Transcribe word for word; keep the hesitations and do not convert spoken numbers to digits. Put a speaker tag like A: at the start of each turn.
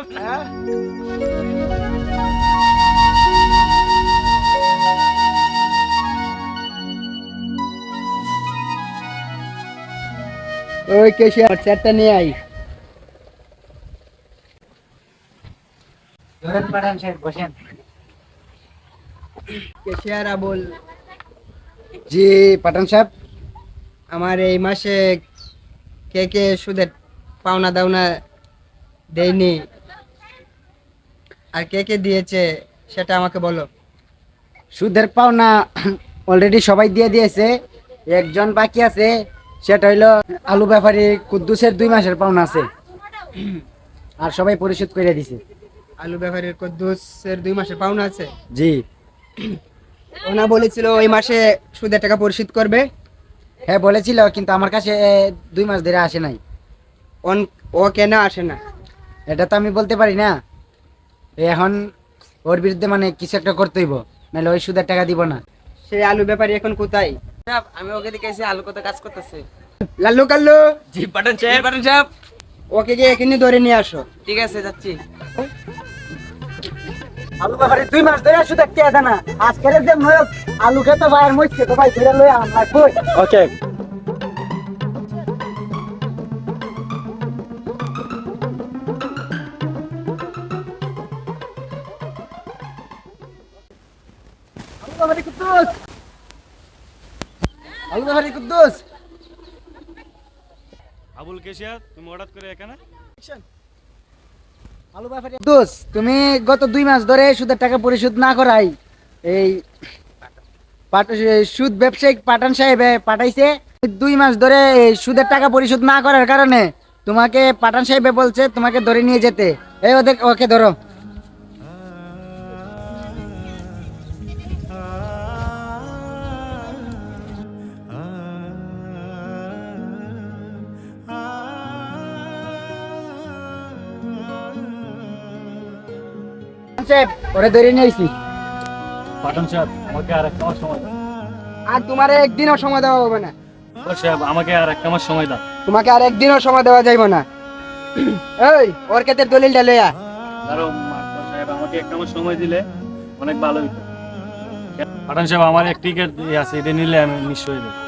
A: হ্যাঁ ওই কেশিয়ার চেয়ারটা নিয়ে আই।
B: ধরেন পাঠান সাহেব, বসেন।
A: কেশিয়ার আবুল,
B: জি পাঠান সাহেব।
A: আমার এই মাসে কে কে সুদের পাওনা দাওনা দেয়নি আর কে কে দিয়েছে সেটা আমাকে বলো।
B: সুদের পাওনা অলরেডি সবাই দিয়ে দিয়েছে, একজন বাকি আছে, সেটা হইলো আলু ব্যাপারী কুদ্দুসের দুই মাসের পাওনা আছে, আর সবাই পরিশোধ করে দিছে।
A: আলু ব্যাপারীর কদ্দুসের দুই মাসের পাওনা আছে।
B: জি
A: ওনা বলেছিল ওই মাসে সুদের টাকা পরিশোধ করবে।
B: হ্যাঁ বলেছিল, কিন্তু আমার কাছে দুই মাস ধরে আসে নাই।
A: অন- ও কেন আসে না?
B: এটা তো আমি বলতে পারি না। এখন ওর বিরুদ্ধে মানে কিছু একটা করতে হইব, নাহলে ওই সুদের টাকা দিব না।
A: সেই আলু ব্যাপারী এখন কোথায়?
C: আমি ওকে দেখে এসে আলু কত কাজ করতেছে।
A: লাল্লু কাল্লু,
C: জি পাঠান সাহেব, পাঠান সাহেব।
A: ওকে গিয়ে এখানে ধরে নিয়ে আসো।
C: ঠিক আছে, যাচ্ছি।
B: আলু ব্যাপারে দুই মাস ধরে সুদের টাকা দেয় না, আজকের যে নয় আলু খেতে ভাই আর মরছে তো ভাই ধরে লই আমরা কই। ওকে আলু ব্যাপারে কুদ্দুস, আলু ব্যাপারে কুদ্দুস।
D: আবুল কেশিয়া, তুমি হঠাৎ করে এখানে?
B: আলু ব্যাপারে কুদ্দুস, তুমি গত দুই মাস ধরে সুদের টাকা পরিশোধ না করাই এই পাট- সুদ ব্যবসায়িক পাঠান সাহেব পাঠাইছে। দুই মাস ধরে এই সুদের টাকা পরিশোধ না করার কারণে তোমাকে পাঠান সাহেব বলছে তোমাকে ধরে নিয়ে যেতে। এই ওদের ওকে ধরো। পাঠান সাহেব, ওরে ধরে নিয়ে আইছি।
D: পাঠান সাহেব, আমাকে আর একটা মাস সময় দাও।
A: আর তোমার একদিনও সময় দেওয়া হবে না।
D: ও সাহেব, আমাকে আর একটা মাস সময় দাও।
A: তোমাকে আর একদিনও সময় দেওয়া যাইব না। এই ওর ক্ষেত্রে দলিলটা লইয়া।
D: ধরো মাস্টার সাহেব, আমাকে একটা মাস সময় দিলে অনেক ভালো হইতো। পাঠান সাহেব, আমার এক টিকিট আছে, এটা নিলে আমি নিশ্চয়ই দেবো।